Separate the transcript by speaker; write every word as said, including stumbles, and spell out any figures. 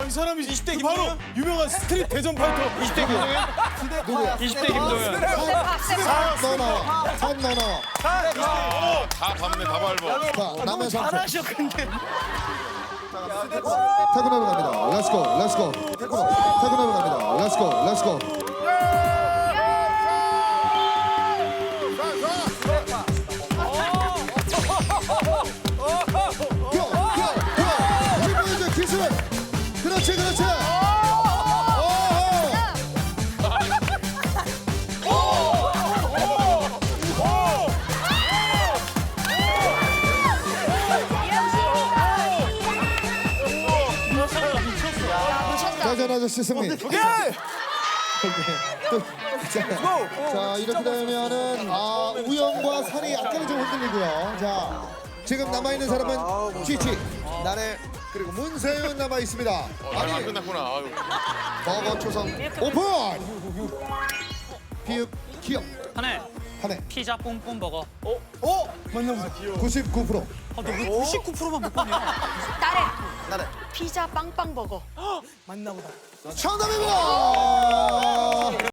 Speaker 1: 이 사람이 이십 대 바로 유명한 스트릿 대전 파이터. 이십 대 김동현?
Speaker 2: 누구야?
Speaker 1: 이십 대 김동현.
Speaker 2: 너 나와. 산 너 나와.
Speaker 3: 다 밟네, 다 밟아.
Speaker 2: 자, 남의 삼촌.
Speaker 1: 잘하셔 근데.
Speaker 2: 태그너로 갑니다. 렛츠고, 렛츠고. 태그너. 태그너로 갑니다. 렛츠고, 렛츠고. 고, 고, 고. 이번에 기술. 그렇지, 그렇지. 대전 아저씨 승리. 오케이. 또, 자, 자 이렇게 되면은 아 우영과 산이 약간은 좀 흔들리고요. 자 지금 남아 있는 사람은 쥐쥐, 나래 그리고 문세윤 남아 있습니다.
Speaker 3: 아,
Speaker 2: 아니
Speaker 3: 끝났구나. 아유.
Speaker 2: 버거 초성 오픈. 비읍 기억
Speaker 4: 하네.
Speaker 2: 한해
Speaker 4: 피자 뿜뿜 버거.
Speaker 2: 구십구 퍼센트.
Speaker 4: 아, 너 왜 구십구 퍼센트만 못 봤냐?
Speaker 5: 나래.
Speaker 2: 나래
Speaker 5: 피자 빵빵 버거.
Speaker 2: 정답입니다.